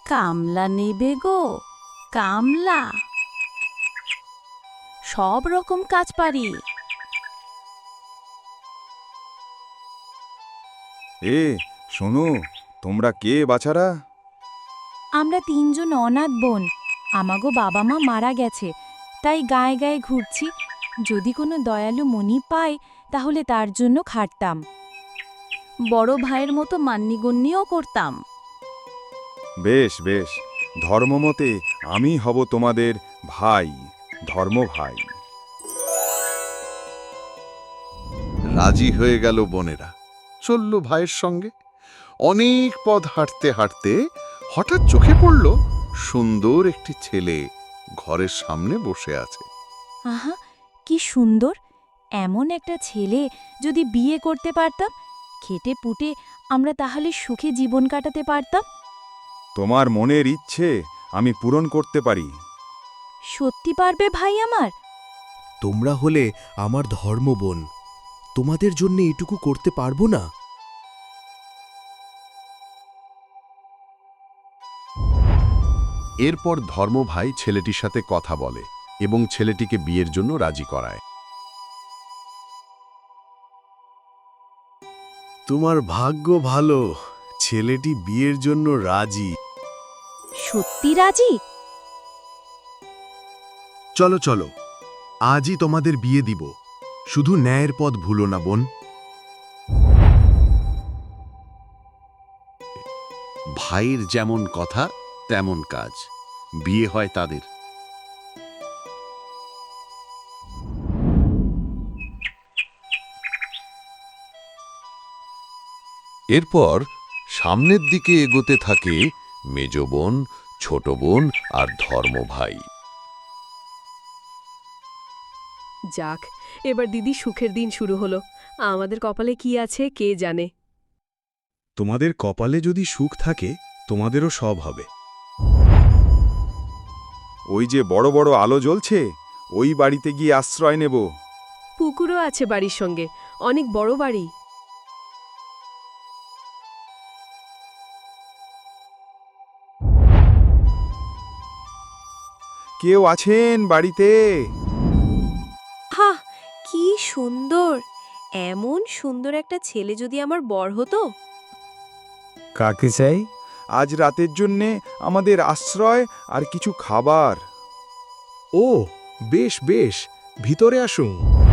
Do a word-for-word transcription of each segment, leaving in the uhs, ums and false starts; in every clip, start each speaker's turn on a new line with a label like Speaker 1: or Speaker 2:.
Speaker 1: কামলা নেবে গো, কামলা? সব রকম কাজ পারি।
Speaker 2: এ শোনো, তোমরা কে বাছারা?
Speaker 1: আমরা তিনজন অনাথ বোন। আমাগো বাবা মা মারা গেছে, তাই গায়ে গায়ে ঘুরছি। যদি কোনো দয়ালু মনি পাই তাহলে তার জন্য খাটতাম। বড় ভাইয়ের মতো মান্যিগণ্যিও করতাম।
Speaker 2: বেশ বেশ, ধর্মমতে আমি হব তোমাদের ভাই, ধর্ম ভাই।
Speaker 3: রাজি হয়ে গেল বোনেরা, চলল ভাইয়ের সঙ্গে। অনেক পথ হাঁটতে হাঁটতে হঠাৎ চোখে পড়ল সুন্দর একটি ছেলে ঘরের সামনে বসে আছে।
Speaker 1: আহা, কি সুন্দর! এমন একটা ছেলে যদি বিয়ে করতে পারতাম, খেটে পুটে আমরা তাহলে সুখে জীবন কাটাতে পারতাম।
Speaker 2: তোমার মনের ইচ্ছে আমি পূরণ করতে পারি।
Speaker 1: সত্যি পারবে ভাই আমার?
Speaker 4: তোমরা হলে আমার ধর্মবোন, তোমাদের জন্য এটুকু করতে পারবো না?
Speaker 3: এরপর ধর্মভাই ছেলেটির সাথে কথা বলে এবং ছেলেটিকে বিয়ের জন্য রাজি করায়।
Speaker 4: তোমার ভাগ্য ভালো, ছেলেটি বিয়ের জন্য রাজি।
Speaker 1: সত্যি রাজি?
Speaker 4: চলো চলো, আজই তোমাদের বিয়ে দিব। শুধু ন্যায়ের পথ ভুলো না বোন।
Speaker 3: ভাইয়ের যেমন কথা তেমন কাজ, বিয়ে হয় তাদের। এরপর সামনের দিকে এগোতে থাকে মেজ বোন, ছোট বোন আর ধর্মভাই।
Speaker 5: যাক, এবার দিদি সুখের দিন শুরু হলো। আমাদের কপালে কি আছে কে জানে।
Speaker 4: তোমাদের কপালে যদি সুখ থাকে, তোমাদেরও সব হবে।
Speaker 2: ওই যে বড় বড় আলো জ্বলছে, ওই বাড়িতে গিয়ে আশ্রয় নেব।
Speaker 5: পুকুরও আছে বাড়ির সঙ্গে, অনেক বড় বাড়ি।
Speaker 2: কেউ আছেন বাড়িতে?
Speaker 6: হা, কি সুন্দর! এমন সুন্দর একটা ছেলে যদি আমার বর হতো।
Speaker 7: কাকে চাই?
Speaker 2: আজ রাতের জন্যে আমাদের আশ্রয় আর কিছু খাবার।
Speaker 4: ও বেশ বেশ, ভিতরে আসুন।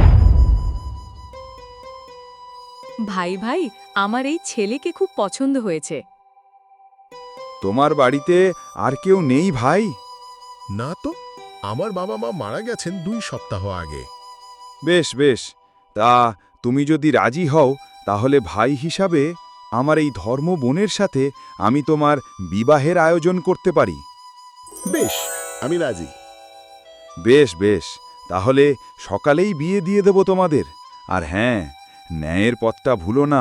Speaker 5: ভাই ভাই, আমার এই ছেলেকে খুব পছন্দ হয়েছে।
Speaker 2: তোমার বাড়িতে আর কেউ নেই ভাই?
Speaker 8: না তো, আমার বাবা মা মারা গেছেন দুই সপ্তাহ আগে।
Speaker 2: বেশ বেশ, তা তুমি যদি রাজি হও তাহলে ভাই হিসাবে আমার এই ধর্ম বোনের সাথে আমি তোমার বিবাহের আয়োজন করতে পারি।
Speaker 8: বেশ, আমি রাজি।
Speaker 2: বেশ বেশ, তাহলে সকালেই বিয়ে দিয়ে দেব তোমাদের। আর হ্যাঁ, ন্যায়ের পথটা ভুলো না।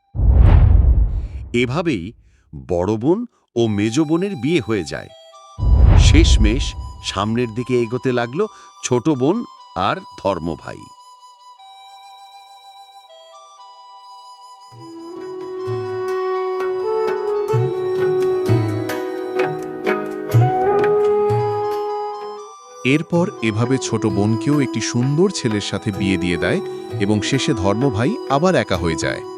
Speaker 3: এভাবেই বড় বোন ও মেজ বোনের বিয়ে হয়ে যায়। শেষমেশ সামনের দিকে এগোতে লাগলো ছোট বোন আর ধর্মভাই।
Speaker 9: এরপর এভাবে ছোট বোনকেও একটি সুন্দর ছেলের সাথে বিয়ে দিয়ে দেয় এবং শেষে ধর্মভাই আবার একা হয়ে যায়।